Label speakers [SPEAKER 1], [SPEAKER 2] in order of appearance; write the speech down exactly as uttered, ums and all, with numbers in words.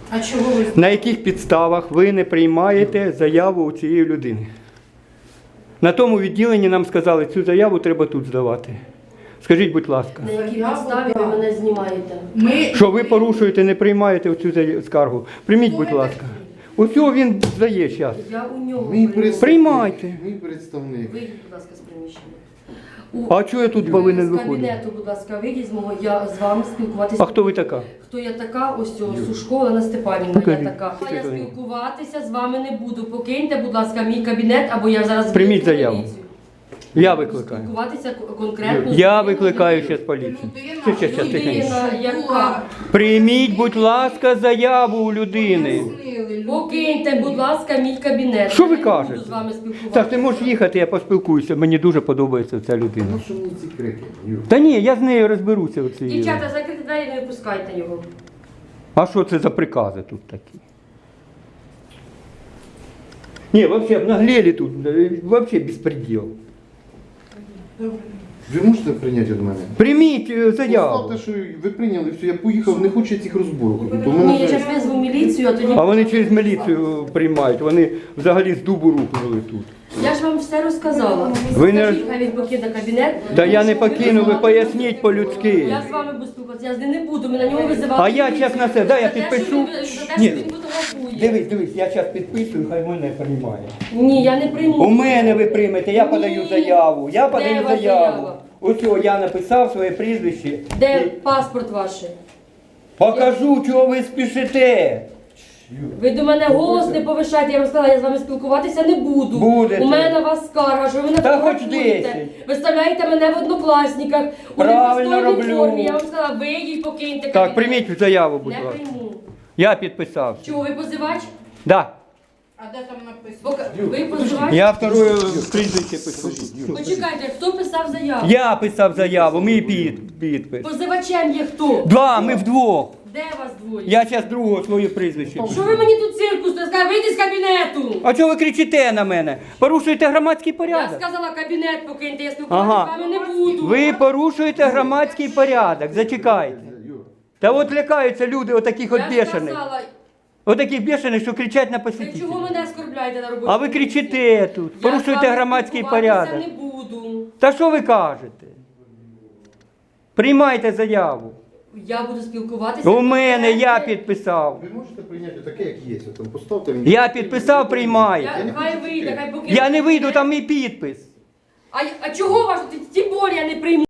[SPEAKER 1] А чого ви?
[SPEAKER 2] На яких підставах ви не приймаєте заяву у цієї людини? На тому відділенні нам сказали, цю заяву треба тут здавати. Скажіть, будь ласка.
[SPEAKER 3] На якій підставі ви мене знімаєте?
[SPEAKER 1] Ми...
[SPEAKER 2] Що ви порушуєте, не приймаєте цю скаргу? Прийміть, будь ласка. Ось цього він здає зараз.
[SPEAKER 3] Я у нього
[SPEAKER 4] Мій
[SPEAKER 3] прийму.
[SPEAKER 4] представник.
[SPEAKER 2] Приймайте.
[SPEAKER 4] Мій представник.
[SPEAKER 3] Вийдіть, будь ласка, з приміщення. У-
[SPEAKER 2] А чого я тут повинен
[SPEAKER 3] З
[SPEAKER 2] виходити?
[SPEAKER 3] кабінету, будь ласка, вийдіть з мого, я з вами спілкуватися.
[SPEAKER 2] А хто ви така?
[SPEAKER 3] Хто я така? Ось цього, Сушко Олена Степанівна, я
[SPEAKER 2] Покажіть.
[SPEAKER 3] така. Я
[SPEAKER 2] Покажіть.
[SPEAKER 3] спілкуватися з вами не буду. Покиньте, будь ласка, мій кабінет, або я зараз
[SPEAKER 2] Прийміть
[SPEAKER 3] викличу
[SPEAKER 2] заяву.
[SPEAKER 3] поліцію.
[SPEAKER 2] Я
[SPEAKER 3] Буду
[SPEAKER 2] викликаю.
[SPEAKER 3] Спілкуватися к- конкретно. з
[SPEAKER 2] Я
[SPEAKER 3] людиною,
[SPEAKER 2] викликаю
[SPEAKER 3] людиною.
[SPEAKER 2] зараз поліцію.
[SPEAKER 1] Людина,
[SPEAKER 2] Ще, ще, ще, тихенько.
[SPEAKER 3] Людина, яка...
[SPEAKER 2] Прийміть, будь ласка, заяву у людини.
[SPEAKER 3] Покиньте, будь ласка, мій кабінет.
[SPEAKER 2] Що ви
[SPEAKER 3] Я не
[SPEAKER 2] кажете?
[SPEAKER 3] буду з вами спілкуватися.
[SPEAKER 2] Так, ти можеш їхати, я поспілкуюся. Мені дуже подобається ця людина.
[SPEAKER 4] Ну що мені ці крики? Юр?
[SPEAKER 2] Та ні, я з нею розберуся. Оці.
[SPEAKER 3] Дівчата, закрити двері, не випускайте його.
[SPEAKER 2] А що це за прикази тут такі? Ні, взагалі, обнаглели тут, взагалі безпреділ.
[SPEAKER 4] Ви можете прийняти від мене?
[SPEAKER 2] Прийміть е, заяву.
[SPEAKER 4] Поставте, що ви прийняли, все, я поїхав, не хочу цих розборок. робити. У
[SPEAKER 3] Ні,
[SPEAKER 4] мене
[SPEAKER 3] я
[SPEAKER 4] вже-
[SPEAKER 3] зараз визву міліцію, а тоді...
[SPEAKER 2] А вони через міліцію приймають, вони взагалі з дубу рухнули тут.
[SPEAKER 3] Я ж вам все розказала.
[SPEAKER 2] Ви не-
[SPEAKER 3] Скажіть, хай він покине кабінет.
[SPEAKER 2] Та я не
[SPEAKER 3] Тому що
[SPEAKER 2] покину, ви
[SPEAKER 3] визивали-
[SPEAKER 2] поясніть по-людськи.
[SPEAKER 3] Я з вами буду спілкуватися, я з ним не буду, ми на нього визивали.
[SPEAKER 2] А я
[SPEAKER 3] міліцію.
[SPEAKER 2] чесно це, дай я
[SPEAKER 3] За те,
[SPEAKER 2] підпишу.
[SPEAKER 3] що він- За те,
[SPEAKER 2] Ні.
[SPEAKER 3] що він фотографує.
[SPEAKER 2] Дивись, дивись, я зараз підписую, хай мене приймає.
[SPEAKER 3] Ні, я не прийму.
[SPEAKER 2] У мене ви приймете, я
[SPEAKER 3] Ні.
[SPEAKER 2] подаю заяву. Я
[SPEAKER 3] Де
[SPEAKER 2] подаю
[SPEAKER 3] ваша
[SPEAKER 2] заяву.
[SPEAKER 3] заява?
[SPEAKER 2] Ось цього я написав своє прізвище.
[SPEAKER 3] Де
[SPEAKER 2] І
[SPEAKER 3] паспорт ваш?
[SPEAKER 2] покажу, чого ви спішите.
[SPEAKER 3] Ви до мене голос не повишайте, я вам сказала, я з вами спілкуватися не буду.
[SPEAKER 2] Будете.
[SPEAKER 3] У мене на вас скарга, що ви мене
[SPEAKER 2] Та хоч
[SPEAKER 3] фотографуєте.
[SPEAKER 2] десять.
[SPEAKER 3] Виставляєте мене в однокласниках, у
[SPEAKER 2] Правильно
[SPEAKER 3] непристойній
[SPEAKER 2] роблю.
[SPEAKER 3] формі. Я вам сказала, вийдіть, покиньте
[SPEAKER 2] Так,
[SPEAKER 3] кабінет.
[SPEAKER 2] прийміть заяву, будь
[SPEAKER 3] Не
[SPEAKER 2] ласка.
[SPEAKER 3] прийму.
[SPEAKER 2] Я підписав.
[SPEAKER 3] Чого, ви позивач?
[SPEAKER 2] Да.
[SPEAKER 1] А де там написано?
[SPEAKER 3] Пока- Ви позивач?
[SPEAKER 2] Я второе прізвище пишу.
[SPEAKER 3] Почекайте, хто писав заяву?
[SPEAKER 2] Я писав заяву, мій під, підпис.
[SPEAKER 3] Позивачем є хто?
[SPEAKER 2] Два, ми вдвох.
[SPEAKER 3] Де вас двоє?
[SPEAKER 2] Я зараз другого своє прізвище
[SPEAKER 3] Що
[SPEAKER 2] пишу.
[SPEAKER 3] ви мені тут циркус? Я сказала, вийди з кабінету!
[SPEAKER 2] А чого ви кричите на мене? Порушуєте громадський
[SPEAKER 3] Я
[SPEAKER 2] порядок.
[SPEAKER 3] сказала, кабінет покиньте, я спілкуватися
[SPEAKER 2] Ага.
[SPEAKER 3] з вами не буду.
[SPEAKER 2] Ви порушуєте громадський порядок. Зачекайте.
[SPEAKER 4] Юр,
[SPEAKER 2] Та от лякаються люди отаких от
[SPEAKER 3] Я ж
[SPEAKER 2] бешених.
[SPEAKER 3] сказала,
[SPEAKER 2] Отаких бешених, що кричать на
[SPEAKER 3] ви чого
[SPEAKER 2] посетителів.
[SPEAKER 3] мене оскорбляєте на роботі?
[SPEAKER 2] А ви кричите тут,
[SPEAKER 3] Я з
[SPEAKER 2] порушуєте
[SPEAKER 3] вами
[SPEAKER 2] громадський
[SPEAKER 3] спілкуватися
[SPEAKER 2] порядок.
[SPEAKER 3] не буду.
[SPEAKER 2] Та що ви кажете? Приймайте заяву.
[SPEAKER 3] Я буду спілкуватися.
[SPEAKER 2] У мене я
[SPEAKER 3] конкретно.
[SPEAKER 2] підписав.
[SPEAKER 4] ви можете прийняти таке, як є. От Там поставте мені.
[SPEAKER 2] Я підписав, приймайте.
[SPEAKER 3] Я, хай вийде, хай покине.
[SPEAKER 2] Я не вийду, там мій підпис.
[SPEAKER 3] А, а чого ваш? Тим більше я не прийму.